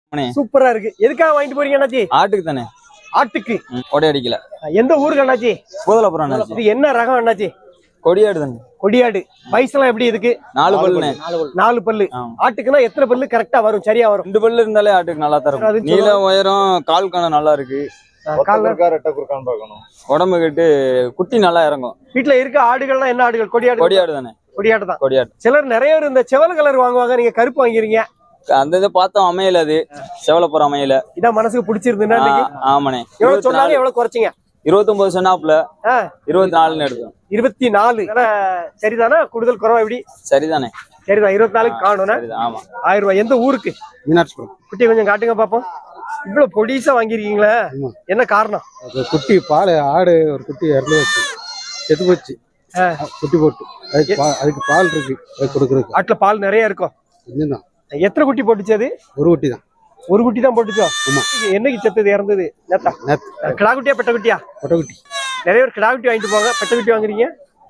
சூப்பரா இருக்கு. எதுக்காக வாங்கிட்டு போறீங்க அண்ணாச்சி? ஆட்டுக்கு தானே. ஆட்டுக்கு கொடி அடிக்கல. எந்த ஊருக்கு அண்ணாச்சி? பூதலபுரம் அண்ணாச்சி. இது என்ன ரகம் அண்ணாச்சி? கொடியாடு தானே. கொடியாடு. வயசுலாம் எப்படி இதுக்கு? 4 பல்லுண்ணே. 4 பல்லு. ஆட்டுக்குன்னா எத்தனை பல்லு கரெக்டா வரும்? சரியா வரும்? 2 பல்லு இருந்தாலே ஆட்டுக்கு நல்லா தரும். நீளம் உயரம் கால் கணம் நல்லா இருக்கு. உடம்பு கட்டு குட்டி நல்லா இறங்கும். வீட்டுல இருக்க ஆடுகள்லாம் என்ன ஆடுகள்? கொடியாடு. கொடியாடு தானே. கொடியாடு தான். கொடியாடு. சிலர் நிறைய பேர் இந்த செவல் கலர் வாங்குவாங்க, நீங்க கருப்பு வாங்கிறீங்க. அந்த இதை பார்த்தோம் அமையல, அது செவலப்புறம் அமையல. இதான் மனசுக்கு பிடிச்சிருந்துன்னா ஆமாண்ணே. எவ்வளவு சொன்னாலும் எவ்வளவு குறைச்சிங்க? 29 சொன்னாப்புல 24 எடுத்தோம். 24 சரிதானா? கூடுதல் குறவா எப்படி? சரிதானே. சரிதான். 24 காணும். ஆமா. 1000 ரூபாய். எந்த ஊருக்கு? மீனாட்சிபுரம். குட்டி கொஞ்சம் காட்டுங்க பாப்போம். இவ்வளவு பொடிசா வாங்கிருக்கீங்களா? என்ன காரணம்? குட்டி பால் ஆடு ஒரு குட்டி இறந்து வச்சு செத்து போச்சு. குட்டி போட்டு அதுக்கு பால் இருக்கு கொடுக்குறதுக்கு. ஆட்டுல பால் நிறைய இருக்கும். இதுதான். எத்தனை குட்டி போட்டுச்சு அது? ஒரு குட்டி தான். ஒரு குட்டி தான் போட்டுச்சோ? என்னைக்கு செத்தது? இறந்தது நேத்தா? கிடா குட்டியா பெட்ட குட்டியா? பெட்ட குட்டி. நிறைய பேர் கிடா குட்டி வாங்கிட்டு போங்க, பெட்ட குட்டி வாங்குறீங்க.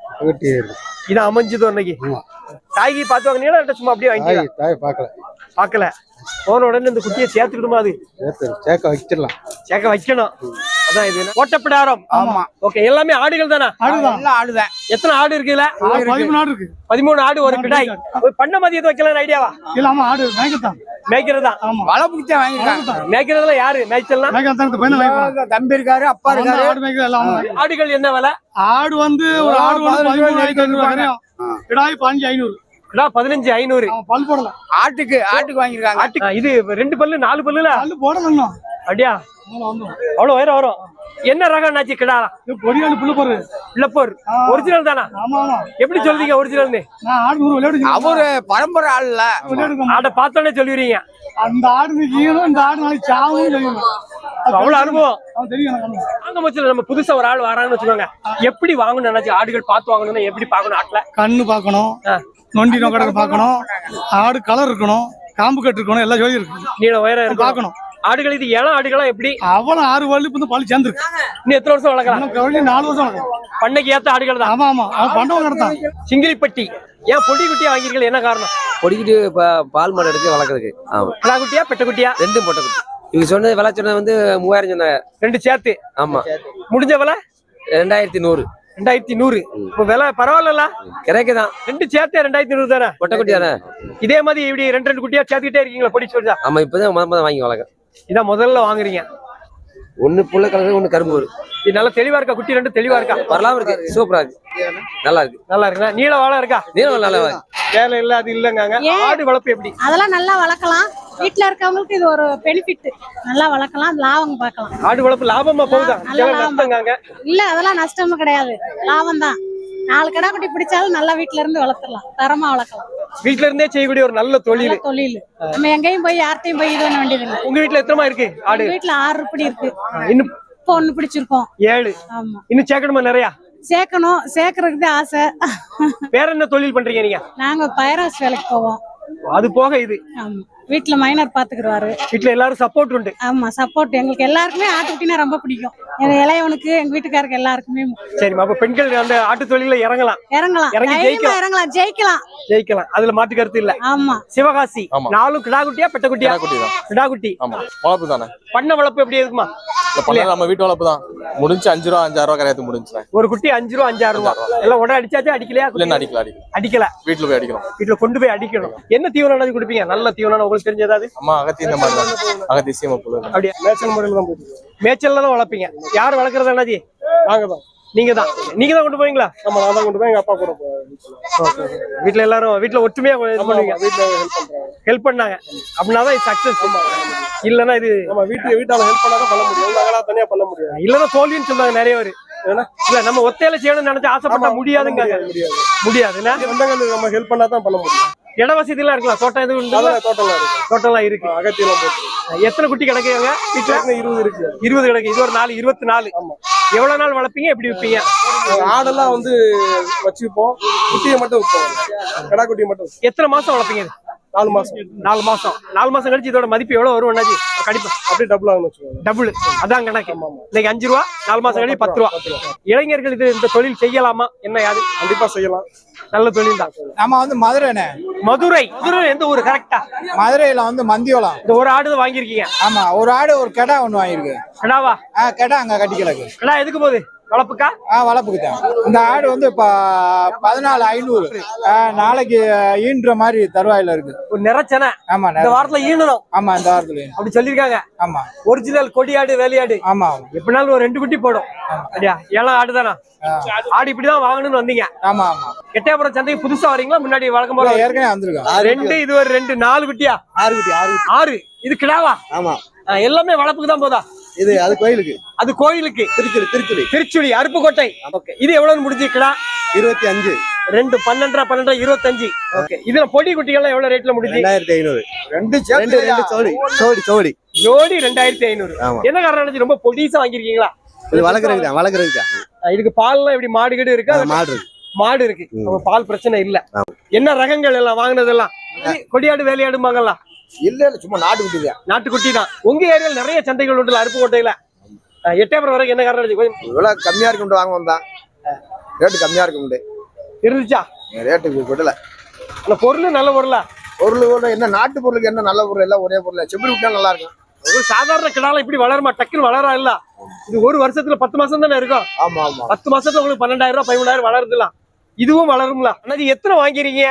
இதான் அமைஞ்சது அன்னைக்கு. தாய்க்கு பார்த்து வாங்கினீங்களா சும்மா அப்படியே வாங்கி? தாய் பார்க்கல. போன உடனே இந்த குட்டியை சேர்த்துக்கிடுமா? அது சேர்க்க வைக்கலாம். சேர்க்க வைக்கணும். அதான் இது ஓட்டப்பிடாரம். ஆமா. ஓகே. எல்லாமே ஆடுகள் தானே? ஆடுதான். எத்தனை ஆடு இருக்குல்ல? 13 ஆடு இருக்கு. 13 ஆடு ஒரு கிடாய். பண்ண மாதிரி எதுவும் வைக்கலாம் ஐடியாவா? இல்லாம ஆடு மேய்க்கத்தான். மேய்க்கிறதா? வளர்ப்புக்கு வாங்கிருக்காங்க. மேய்க்கிறதுல யாரு மேய்ச்சல்னா? தம்பி இருக்காரு, அப்பா இருக்காரு. ஆடுகள் என்ன விலை? ஆடு வந்து ஒரு ஆடு 15,500. கிடாய் 15,500. 15,500. பல் போடலாம். ஆட்டுக்கு வாங்கிருக்காங்க. இது 2 பல்லு 4 பல்லுல பல்லு போடலாம். அப்படியா? அவ்வளவு உயரம் வரும். என்ன ரகம் நாச்சி கிடா? கொடியாடு புள்ளப்போர். ஒரிஜினல் தானா? எப்படி சொல்றீங்க ஒரிஜினல்? அவரு பரம்பரை ஆள்ல ஆட பார்த்தோன்னே சொல்லிடுறீங்க. அந்த ஆடு இந்த ஆடு நாளைக்கு சாவும் தெரியும். அவ்வளவு அனுபவம் தெரியும். நம்ம புதுசா ஒரு ஆள் வராங்கன்னு வச்சுக்கோங்க, எப்படி வாங்கணும் நினைச்சு? ஆடுகள் பார்த்து வாங்கணும்னா எப்படி பாக்கணும்? ஆட்டுல கண்ணு பாக்கணும், நொண்டி நோக்கடை பாக்கணும், ஆடு கலர் இருக்கணும், காம்பு கட்டு இருக்கணும், எல்லாம் ஜோதி இருக்கு. நீள உயரம் பாக்கணும். ஆடுகள் இது இளம் ஆடுகளா எப்படி? அவ்வளவு 6 வருடம் பால் சேர்ந்துருக்கு. இன்னும் எத்தனை வருஷம் வளர்க்கலாம்? 4 வருஷம் வளர்க்கலாம். பண்ணைக்கு ஏத்த ஆடுகள் தான். ஆமா. பண்டவங்க நடத்தான். சிங்கிலிப்பட்டி. ஏன் பொடி குட்டியா வாங்கிருக்கீங்க? என்ன காரணம்? பொடிக்கிட்டு பால் மாடு எடுத்து வளர்க்கறதுக்கு. கிடா குட்டியா பெட்ட குட்டியா? ரெண்டும் பொட்டை குட்டி. இவங்க சொன்னது விலை சொன்னது வந்து 3000 சொன்னாங்க. 2 சேர்த்து. ஆமா. முடிஞ்ச விலை 2100. 2100. இப்போ விலை பரவாயில்ல, கிடைக்குதான். 2 சேர்த்து 2100 தானே? பொட்டை குட்டி தானே. இதே மாதிரி இப்படி 2 குட்டியா சேர்த்துக்கிட்டே இருக்கீங்களா? பொடி சொல்றா? ஆமா. இப்பதான் முதல்ல வாங்கி வளர்க்க. இதான் முதல்ல வாங்குறீங்க. ஒண்ணு புள்ள கலர், ஒண்ணு கரும்பு. இது நல்லா தெளிவா இருக்கா? குட்டி 2 தெளிவா இருக்கா? வரலாம் இருக்கு. சூப்பரா இருக்கு. நல்லா இருக்குண்ணா. நீள வாழை இருக்கா? நீளம் நல்லா வேலை இல்ல அது இல்லங்க. ஆடு வளர்ப்பு எப்படி? அதெல்லாம் நல்லா வளர்க்கலாம். வீட்டுல இருக்கவங்களுக்கு இது ஒரு பெனிஃபிட். நல்லா வளர்க்கலாம், லாபம் பார்க்கலாம். ஆடு வளர்ப்பு லாபமா போகுதா? இல்ல அதெல்லாம் நஷ்டமும் கிடையாது, லாபம் தான். 4 கடா குட்டி பிடிச்சாலும் நல்லா வீட்டுல இருந்து வளர்த்துலாம், தரமா வளர்க்கலாம். வீட்டுல இருந்தே செய்யக்கூடிய ஒரு நல்ல தொழில். நம்ம எங்கேயும் போய் யார்ட்டையும் போய் இது பண்ண வேண்டியது இல்லை. உங்க வீட்டுல எத்தனை இருக்கு ஆடு? வீட்டுல 6 உருப்படி இருக்கு. இன்னும் இப்போ 1 பிடிச்சிருக்கோம். 7. ஆமா. இன்னும் சேர்க்கணுமா? நிறைய சேர்க்கணும். சேர்க்கறதுக்கு ஆசை. வேற என்ன தொழில் பண்றீங்க நீங்க? நாங்க பைராஸ் வேலைக்கு போவோம். அது போக இது? ஆமா. வீட்டுல மைனர் பாத்துக்குறாரு. வீட்டுல எல்லாரும் சப்போர்ட் உண்டு? ஆமா, சப்போர்ட். எங்களுக்கு எல்லாருக்குமே ஆட்டுக்குட்டினா ரொம்ப பிடிக்கும். இளையவனுக்கு, எங்க வீட்டுக்காருக்கு எல்லாருக்குமே. சரிம்மா. அப்ப பெண்கள் அந்த ஆட்டு தொழில இறங்கலாம். ஜெயிக்கலாம். அதுல மாற்று கருத்து இல்ல. ஆமா. சிவகாசி 4 கிடா குட்டியா பெட்ட குட்டியா? கிடா குட்டி. வளர்ப்பு தானே. பண்ண வளர்ப்பு எப்படி இருக்குமா? நம்ம வீட்டு வளர்ப்பு தான். முடிஞ்சு 5 ரூபா 5,000 ரூபா கரையாத்து முடிஞ்சு. ஒரு குட்டி 5 ரூபா 5,000 ரூபா. எல்லாம் உடனே அடிச்சாச்சா? அடிக்கலையா? அடிக்கல. வீட்டுல போய் அடிக்கணும். வீட்டுல கொண்டு போய் அடிக்கணும். என்ன தீவனம் கொடுப்பீங்க? நல்ல தீவனம் உங்களுக்கு தெரிஞ்சதாவது? அம்மா அகத்தி இந்த மாதிரி தான். அகத்தி சீமப்புல். அப்படியே மேய்ச்சல் முறையில தான் போகுது. மேய்ச்சல்ல தான் வளர்ப்பீங்க. யார் வளர்க்கறது அண்ணாஜி? நாங்க தான். நீங்க தான் கொண்டு போவீங்களா? ஆமா, நான் தான் கொண்டு போய் எங்க அப்பா கூட போவேன். வீட்டுல எல்லாரும் வீட்டுல ஒற்றுமையா பண்ணுவீங்க. வீட்டுல ஹெல்ப் பண்ணாங்க அப்படின்னாதான் இது சக்சஸ். இல்லன்னா இது நம்ம வீட்டால ஹெல்ப் பண்ணாதான் பண்ண முடியும். நாங்களா தனியா பண்ண முடியாது. இல்லன்னா தோல்வின்னு சொல்றாங்க நிறைய பேர். இல்ல நம்ம ஒத்தையில செய்யணும்னு நினைச்சு ஆசைப்பட்டா முடியாதுங்க. முடியாதுன்னா நம்ம ஹெல்ப் பண்ணாதான் பண்ண முடியும். இட வசதி எல்லாம் இருக்கலாம். தோட்டம் எதுவும்? தோட்டம்லாம் இருக்கு. அகத்தியெல்லாம் போட்டு. எத்தனை குட்டி கிடைக்குங்க வீட்டுல? 20 இருக்கு. 20 கிடைக்கும். இது ஒரு 4 24. எவ்வளவு நாள் வளர்ப்பீங்க? எப்படி விற்பீங்க? ஆடெல்லாம் வந்து வச்சுப்போம். குட்டியை மட்டும் விற்போம். கடா குட்டியை மட்டும். எத்தனை மாசம் வளர்ப்பீங்க? 4 மாசம் 4 மாசம் 4 மாசம் கழிச்சு இதோட மதிப்பு எவ்வளவு வரும் அண்ணாச்சி கண்டிப்பா அப்படியே டபுள் ஆகணும் வச்சுக்கோங்க. டபுள் அதான் கணக்கு இன்னைக்கு 5 ரூபா 4 மாசம் கழிச்சு 10 ரூபா இளைஞர்கள் இந்த தொழில் செய்யலாமா என்ன யாது கண்டிப்பா செய்யலாம். நல்ல தொழில் தான் நம்ம வந்து மதுரைண்ணே. மதுரை எந்த ஊரு கரெக்டா மதுரையில வந்து மந்தியோளம். இந்த ஒரு ஆடு தான் வாங்கியிருக்கீங்க ஆமா, ஒரு ஆடு ஒரு கெடா ஒண்ணு வாங்கியிருக்கு. கடாவா கெடா அங்க கட்டி கிடக்கு. கடா எதுக்கு போகுது வளர்ப்புக்கா வளர்ப்புக்கு தான். இந்த ஆடு வந்து இப்ப 14,500. நாளைக்கு ஈன்ற மாதிரி தருவாயில இருக்கு. ஒரு நிறச்சனை ஆமா, இந்த வாரத்துல ஈனணும். ஆமா, இந்த வாரத்துல அப்படி சொல்லிருக்காங்க. ஆமா, ஒரிஜினல் கொடியாடு வேலையாடு. ஆமா, எப்படினாலும் ஒரு 2 குட்டி போடும். அப்படியா? ஏழாம் ஆடு தானா? ஆடு இப்படிதான் வாங்கணும்னு வந்தீங்க? ஆமா, ஆமா. எட்டயபுரம் சந்தைக்கு புதுசா வரீங்களா முன்னாடி வழக்கம் போல? ஏற்கனவே வந்திருக்கோம். 2 இது ஒரு 2 4 குட்டியா? 6 குட்டி 6. இது கிடாவா? ஆமா, எல்லாமே வளர்ப்புக்கு தான் போதா? இது அது கோயிலுக்கு. அது கோயிலுக்கு. திருச்சுழி அருப்புக்கோட்டை. ஓகே, இது எவ்வளவு முடிஞ்சு கிடா? 25. 2 12 25. ஓகே, இதுல பொடி குட்டிகள் எவ்வளவு ரேட்ல முடிஞ்சு? 2500. ரெண்டு ஜோடி ஜோடி 2500. ஆமா. என்ன காரணம் ரொம்ப பொடிசா வாங்கிருக்கீங்களா? இது வளர்க்கறதுக்கு. இதுக்கு பால்லாம் எப்படி மாடு கீடு இருக்கா? மாடு இருக்கு. அப்ப பால் பிரச்சனை இல்ல. என்ன ரகங்கள் எல்லாம் வாங்குனதெல்லாம்? கொடியாடு வேலையாடுமாங்கல்ல? இல்ல சும்மா நாட்டுக்குட்டி தான். உங்க ஏரியால நிறைய சந்தைகள் உண்டுல அருப்புக்கோட்டையில. எட்டயபுரம் வரைக்கும் என்ன காரணம்? இவ்வளவு கம்மியா இருக்கு வாங்க வந்தான். ரேட்டு கம்மியா இருக்கு இருந்துச்சா? ரேட்டுக்கு விடல. அந்த பொருள் நல்ல பொருளா? பொருள் என்ன நாட்டு பொருளுக்கு என்ன நல்ல பொருள் எல்லாம் ஒரே பொருள். செம்பரி விட்டா நல்லா இருக்கும். ஒரு சாதாரண கிடால இப்படி வளருமா? டக்குன்னு வளரா இல்ல? இது ஒரு வருஷத்துல 10 மாசம் தானே இருக்கும். ஆமா ஆமா. 10 மாசத்துல உங்களுக்கு 12,000 13,000 வளருதுலாம். இதுவும் வளரும்ல? அண்ணாச்சி எத்தனை வாங்கிறீங்க?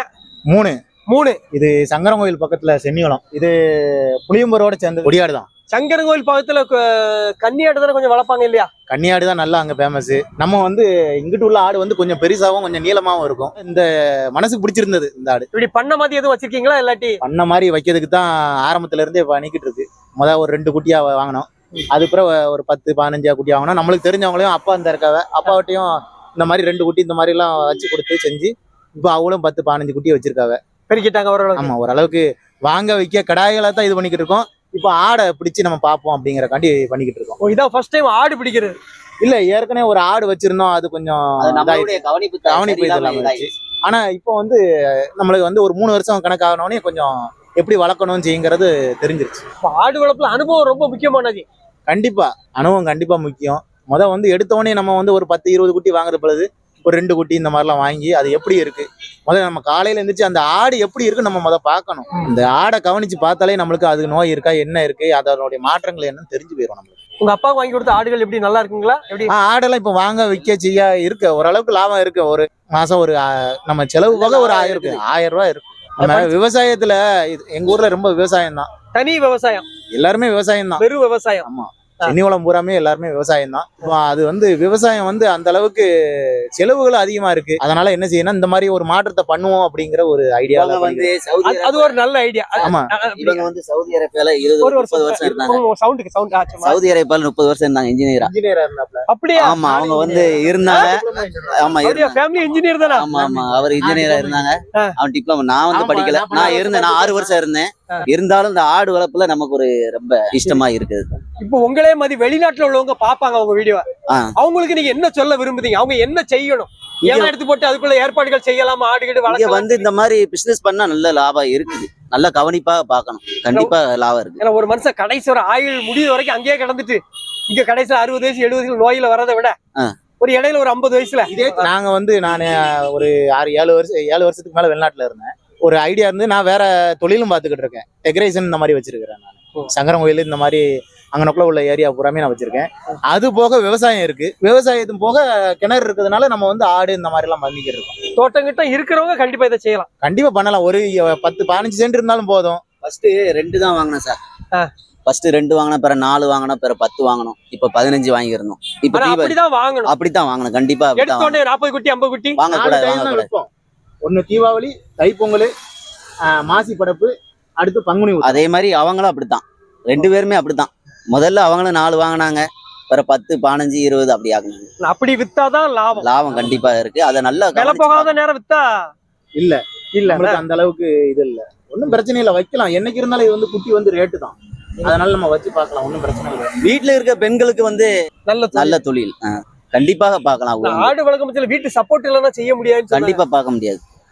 3. இது சங்கரங்கோயில் பக்கத்துல சென்னிகுளம். இது புளியம்பரோட சேர்ந்த கொடியாடு தான். சங்கரங்கோயில் பக்கத்துல கன்னியாடு தானே கொஞ்சம் வளர்ப்பாங்க இல்லையா? கன்னியாடு தான் நல்லா அங்க ஃபேமஸ். நம்ம வந்து இங்கிட்டு உள்ள ஆடு வந்து கொஞ்சம் பெருசாவும் கொஞ்சம் நீளமாவும் இருக்கும். இந்த மனசுக்கு பிடிச்சிருந்தது இந்த ஆடு. இப்படி பண்ண மாதிரி எதுவும் வச்சிருக்கீங்களா? இல்லாட்டி பண்ண மாதிரி வைக்கிறதுக்கு தான் ஆரம்பத்துல இருந்தே பண்ணிக்கிட்டு இருக்கு. ஒரு 2 குட்டியா வாங்கினோம். அதுக்கப்புறம் ஒரு 10 15 குட்டி வாங்கினோம். நம்மளுக்கு தெரிஞ்சவங்களையும் அப்பா இந்த இருக்காவ அப்பாவட்டையும் இந்த மாதிரி 2 குட்டி இந்த மாதிரி எல்லாம் வச்சு கொடுத்து செஞ்சு இப்போ அவளும் 10 15 குட்டியை வச்சிருக்காவ. பெருக்கிட்டாங்க ஓரளவுக்கு. ஆமா, ஓரளவுக்கு வாங்க வைக்க கடாய்களை தான் இது பண்ணிக்கிட்டு இருக்கோம். இப்போ ஆடை பிடிச்சு நம்ம பார்ப்போம் அப்படிங்கறக்காண்டி பண்ணிக்கிட்டு இருக்கோம். இதான் ஃபர்ஸ்ட் டைம் ஆடு பிடிக்கிறது? இல்ல, ஏற்கனவே ஒரு ஆடு வச்சிருந்தோம். அது கொஞ்சம் கவனிப்பு இதெல்லாம் இருந்துச்சு. ஆனா இப்போ வந்து நம்மளுக்கு வந்து ஒரு 3 வருஷம் கணக்காகனோடனே கொஞ்சம் எப்படி வளர்க்கணும் செய்யுங்கிறது தெரிஞ்சிருச்சு. ஆடு வளர்ப்புல அனுபவம் ரொம்ப முக்கியமானது. கண்டிப்பா அனுபவம் கண்டிப்பா முக்கியம். வந்து எடுத்தோடனே நம்ம வந்து ஒரு 10 20 குட்டி வாங்குற பொழுது ஒரு 2 குட்டி இந்த மாதிரிலாம் வாங்கி அது எப்படி இருக்கு நம்ம காலையில இருந்துச்சு அந்த ஆடு எப்படி இருக்கு நம்ம பார்க்கணும். இந்த ஆடை கவனிச்சு பார்த்தாலே நம்மளுக்கு அது நோய் இருக்கா என்ன இருக்கு அதனுடைய மாற்றங்கள் என்னன்னு தெரிஞ்சு போயிடும் நம்மளுக்கு. உங்க அப்பா வாங்கி கொடுத்த ஆடுகள் எப்படி நல்லா இருக்குங்களா? எப்படி ஆடெல்லாம் இப்ப வாங்க விற்க செய்ய இருக்கு. ஓரளவுக்கு லாபம் இருக்கு. ஒரு மாசம் ஒரு நம்ம செலவு போக ஒரு 1000 ரூபாய் இருக்கு. நம்ம விவசாயத்துல எங்க ஊர்ல ரொம்ப விவசாயம் தான். தனி விவசாயம். எல்லாருமே விவசாயம் தான். வெறும் விவசாயம். ஆமா, சென்னிகுளம் பூராமே எல்லாருமே விவசாயம் தான். அது வந்து விவசாயம் வந்து அந்த அளவுக்கு செலவுகள் அதிகமா இருக்கு. அதனால என்ன செய்யணும், இந்த மாதிரி ஒரு மாற்றத்தை பண்ணுவோம் அப்படிங்கிற ஒரு ஐடியா வந்து அது ஒரு நல்ல ஐடியா. ஆமா, இவங்க வந்து சவுதி அரேபியால 20-30 வருஷம் இருந்தாங்க. சவுதி அரேபியால 30 வருஷம் இருந்தாங்க இன்ஜினியரா இருந்தாப்ல. அப்படியே? ஆமா, அவங்க வந்து இருந்தாங்க. ஆமா, ஃபேமிலி இன்ஜினியர் தானே? ஆமா ஆமா, அவர் இன்ஜினியரா இருந்தாங்க. அவன் டிப்ளமோ. நான் வந்து படிக்கல. நான் 6 வருஷம் இருந்தேன். இருந்தாலும் இந்த ஆடு வளர்ப்புல நமக்கு ஒரு ரொம்ப இஷ்டமா இருக்குது. இப்போ உங்களே மாதிரி வெளிநாட்டுல உள்ளவங்க பாப்பாங்க உங்க வீடியோ. அவங்களுக்கு நீங்க என்ன சொல்ல விரும்புறீங்க? அவங்க என்ன செய்யணும்? ஏன் எடுத்து போட்டு அதுக்குள்ள ஏற்பாடுகள் செய்யலாமா? ஆடுகிட்டு வளர்க்க வந்து இந்த மாதிரி பிசினஸ் பண்ணா நல்ல லாபம் இருக்குது. நல்ல கவனிப்பா பார்க்கணும். கண்டிப்பா லாபம் இருக்கு. ஏன்னா ஒரு மனுஷன் கடைசி ஒரு ஆயுள் முடிவு வரைக்கும் அங்கேயே கிடந்துட்டு இங்க கடைசியில 60 வயசு 70 வயசுல நோயில வரதை விட ஒரு இடையில ஒரு 50 வயசுல நாங்க வந்து நான் ஒரு 7 வருஷத்துக்கு மேல வெளிநாட்டுல இருந்தேன். ஒரு ஐடியா இருந்து நான் வேற தொழிலும் பார்த்துக்கிட்டு இருக்கேன். டெக்கரேஷன் இந்த மாதிரி வச்சிருக்கிறேன். நான் சங்கரங்கோயில் இந்த மாதிரி அங்கனக்குள்ள உள்ள ஏரியா பூராமே நான் வச்சிருக்கேன். அது போக விவசாயம் இருக்கு. விவசாயத்தும் போக கிணறு இருக்கிறதுனால நம்ம வந்து ஆடு இந்த மாதிரி எல்லாம் பண்ணிக்கிட்டு இருக்கோம். தோட்டம் கிட்ட இருக்கிறவங்க கண்டிப்பா இதை செய்யலாம். கண்டிப்பா பண்ணலாம். ஒரு 10-15 சென்ட் இருந்தாலும் போதும். ஃபர்ஸ்ட் 2 தான் வாங்கினேன் சார். ஃபர்ஸ்ட் 2 வாங்கினா, பிற 4 வாங்கினா, பிற 10 வாங்கணும். இப்ப 15 வாங்கிருந்தோம். இப்ப அப்படிதான் வாங்கணும். அப்படித்தான் வாங்கணும். கண்டிப்பா 40 குட்டி 50 குட்டி வாங்க கூடாது. ஒன்னு தீபாவளி, தைப்பொங்கல், மாசி படப்பு, அடுத்து பங்குனி. அதே மாதிரி அவங்களும் அப்படித்தான். 2 பேருமே அப்படித்தான். முதல்ல அவங்களும் 4 வாங்கினாங்க. பிற 10 15 20 அப்படி ஆகுனாங்க. அப்படி வித்தாதான் லாபம் கண்டிப்பா இருக்கு. அத நல்ல விலை போகாத நேரம் வித்தா இல்ல அந்த அளவுக்கு இது இல்ல. ஒன்னும் பிரச்சனை இல்ல, வைக்கலாம். என்னைக்கு இருந்தாலும் இது வந்து குட்டி வந்து ரேட்டு தான். அதனால நம்ம வச்சு பார்க்கலாம். ஒன்னும் பிரச்சனை இல்லை. வீட்டுல இருக்க பெண்களுக்கு வந்து நல்ல தொழில் கண்டிப்பாக பார்க்கலாம். ஆடு வளர்க்கும் வீட்டு சப்போர்ட் இல்லைன்னா செய்ய முடியாது. கண்டிப்பா பார்க்க முடியாது.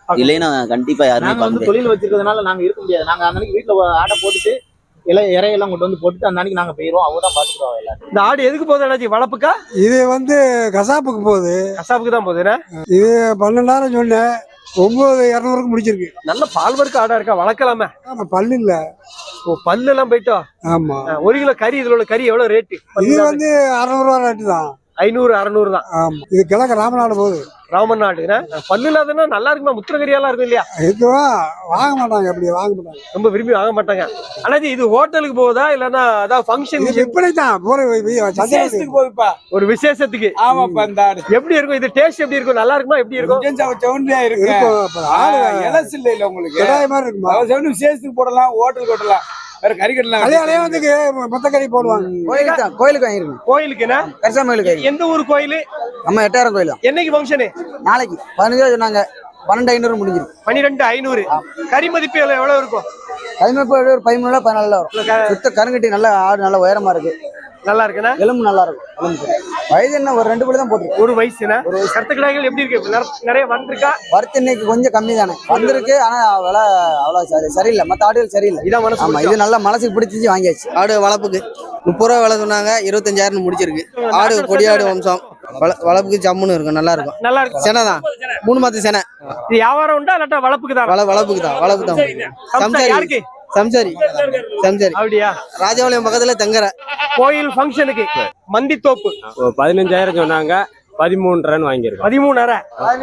இல்லைன்னா கண்டிப்பா யாருமே நாங்க பார்க்க வந்து முடியாது. தொழில் வச்சிருக்கிறதுனால நாங்க இருக்க முடியாது. நாங்க அந்த அன்னைக்கு வீட்டுல ஆட்டை போட்டுட்டு இறையெல்லாம் கொண்டு வந்து போட்டுட்டு அந்த அன்னைக்கு நாங்க போயிருவோம். அவங்க தான் பாத்துக்கிடுவாங்க எல்லாரும். இந்த ஆடு எதுக்கு போகுது அண்ணாச்சி? வளர்ப்புக்கா? இது வந்து கசாப்புக்கு போகுது. கசாப்புக்கு தான் போகுதுண்ணா. இது 12,000 சொன்னேன், 9,200க்கு முடிச்சிருக்கு. நல்ல பால் வர்க்க ஆடா இருக்கா, வளர்க்கலாமே. ஆமா, பல்லு இல்ல. ஓ, பல்லு எல்லாம் போயிட்டோம். ஆமா, 1 கிலோ கறி, இதுல உள்ள கறி எவ்வளவு ரேட்டு? இது வந்து 600 ரூபா ரேட்டு தான். 500 600 தான். ஆமா, இது கிழக்கு ராமநாடு போகுது. ராமன் நாடுனா பல்லு இல்லாதன்னா நல்லா இருக்குமா? முத்திரகரியாலாம் இருக்கும் இல்லையா? இதுவா வாங்க மாட்டாங்க, அப்படி வாங்க மாட்டாங்க, ரொம்ப விரும்பி வாங்க மாட்டாங்க. அண்ணாச்சி இது ஹோட்டலுக்கு போகுதா இல்லன்னா அதாவது ஃபங்க்ஷன் இப்படி தான் போகுதுப்பா. ஒரு விசேஷத்துக்கு? ஆமாப்பா, இந்த ஆடு எப்படி இருக்கும் இது? டேஸ்ட் எப்படி இருக்கும்? நல்லா இருக்குமா? எப்படி இருக்கும்? செவன்லியா இருக்கு. இலசு இல்ல உங்களுக்கு கிடாய் மாதிரி இருக்குமா? செவன் விசேஷத்துக்கு போடலாம், ஹோட்டலுக்கு ஓட்டலாம், வேற கறி கட்டலாம். கல்யாணத்துக்கு மொத்த கறி போடுவாங்க. கோயிலுக்கு வாங்கிருக்கோம். கோயிலுக்குன்னா கரிசாம கோயிலுக்கு. எந்த ஊர் கோயில்? நம்ம 8000 கோயில். என்னைக்கு ஃபங்க்ஷனு? நாளைக்கு 15 சொன்னாங்க, 12,500 முடிஞ்சிருக்கு. 12,500. கறி மதிப்பு எவ்வளவு இருக்கும்? கைமப்ப ஒரு 13 14 வரும். சுத்த கருங்கட்டி நல்ல ஆடு, நல்ல உயரமா இருக்கு, நல்லா இருக்குண்ணா. எலும்பு நல்லா இருக்கும். எலும்பு வயது என்ன ஒரு 2 பல்லு தான் போட்டுருக்கு. ஒரு வயசுனா கருத்து கிடாய்கள் எப்படி இருக்கு? நிறைய வந்திருக்கா? வரத்து இன்னைக்கு கொஞ்சம் கம்மி தானே வந்திருக்கு. ஆனா விலை அவ்வளவு சரியில்லை, மற்ற ஆடுகள் சரியில்லை. இதான் மனசு. ஆமா, இது நல்லா மனசுக்கு பிடிச்சிச்சு, வாங்கியாச்சு. ஆடு வளர்ப்புக்கு 30 ரூபா விலை சொன்னாங்க, 25,000 முடிச்சிருக்கு. ஆடு கொடியாடு வம்சம், வளர்ப்புக்கு ஜம்முன்னு இருக்கும், நல்லா இருக்கும். நல்லா இருக்கு. செனை தான், 3 மாத்து செனை. இது வியாபாரம் உண்டா இல்லாட்டா வளர்ப்புக்கு தான்? வளர்ப்புக்கு தான். சம்சாரி யாருக்கு? சம்சாரி அப்படியா? ராஜபாளையம் பக்கத்துல தங்கரை. கோயில் ஃபங்க்ஷனுக்கு மந்தித்தோப்பு 15,000 சொன்னாங்க, 13,500 வாங்கியிருக்கோம். 13,500.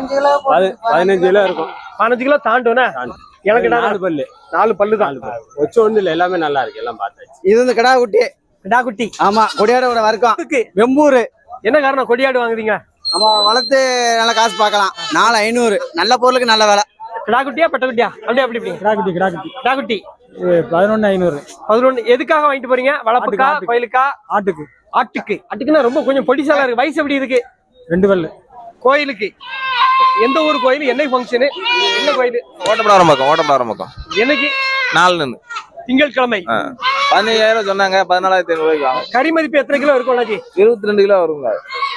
15 கிலோ இருக்கும். 15 கிலோ தாண்டும்னா? எனக்கு 4 பல்லு. 4 பல்லு தான். வச்சு ஒண்ணு இல்ல, எல்லாமே நல்லா இருக்கு, எல்லாம் பார்த்தாச்சு. இது வந்து கிடா குட்டி. கிடா குட்டி. ஆமா, கொடியாடோட வர்க்கம். வெம்பூர். என்ன காரணம் கொடியாடு வாங்குறீங்க? ஆமா, வளர்த்து நல்ல காசு பார்க்கலாம். 4,500 நல்ல பொருளுக்கு நல்ல விலை. கிடா குட்டியா பெட்ட குட்டியா? அப்படியே அப்படி கிடா குட்டி 11,500. 11. எதுக்காக வாங்கிட்டு போறீங்க? வளர்ப்புக்கா, கோயிலுக்கா? ஆட்டுக்குன்னா ரொம்ப கொஞ்சம் பொடிசாலா இருக்கு. வயசு எப்படி இருக்கு? 2 பல்லு. கோயிலுக்கு எந்த ஊர் கோயில்? என்ன ஃபங்க்ஷனு? என்ன கோயில்? ஓட்டப்படாரம் பக்கம் என்னைக்கு? 4 திங்கட்கிழமை. 15,000 சொன்னாங்க, 14,500 வாங்க. கறி மதிப்பு எத்தனை கிலோ இருக்கும் அண்ணாச்சி? 22 கிலோ வருங்க.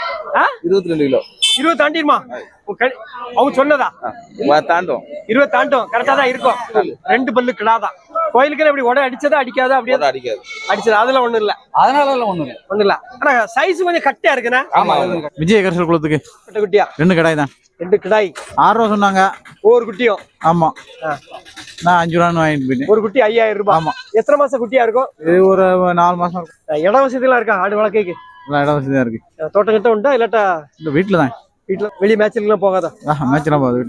22 கிலோ. 20 தாண்டிடுமா? அவங்க சொன்னதா? தாண்டும். 20 தாண்டும். கரெக்டா தான் இருக்கும். 2 பல்லு கிடாதான். கோயிலுக்கு எப்படி உடை அடிச்சதா அடிக்காதா? அப்படியே அடிக்காது. அடிச்சது அதெல்லாம் ஒண்ணும் இல்ல. அதனால ஒண்ணு இல்ல. ஆனா சைஸ் கொஞ்சம் கட்டியா இருக்குண்ணா. விஜய கரிசல் குளத்துக்கு பெட்ட குட்டியா? 2 கிடாய் தான். 2 கிடாய் 6 ரூபா சொன்னாங்க, ஒவ்வொரு குட்டியும். ஆமா, நான் 5 ரூபான்னு வாங்கிட்டு போயிட்டேன். ஒரு குட்டி 5,000 ரூபாய். ஆமா. எத்தனை மாசம் குட்டியா இருக்கும்? இது ஒரு 4 மாசம் இருக்கும். இட வசதி எல்லாம் இருக்கா ஆடு வளர்க்கைக்கு? இடம் வசதியா இருக்கு. தோட்டம் கிட்ட உண்டா இல்லாட்டா இல்ல வீட்டுல தான்? வீட்டுல வெளியே மேட்ச்ல எல்லாம் போகாதா? மேட்ச் எல்லாம் போகுது.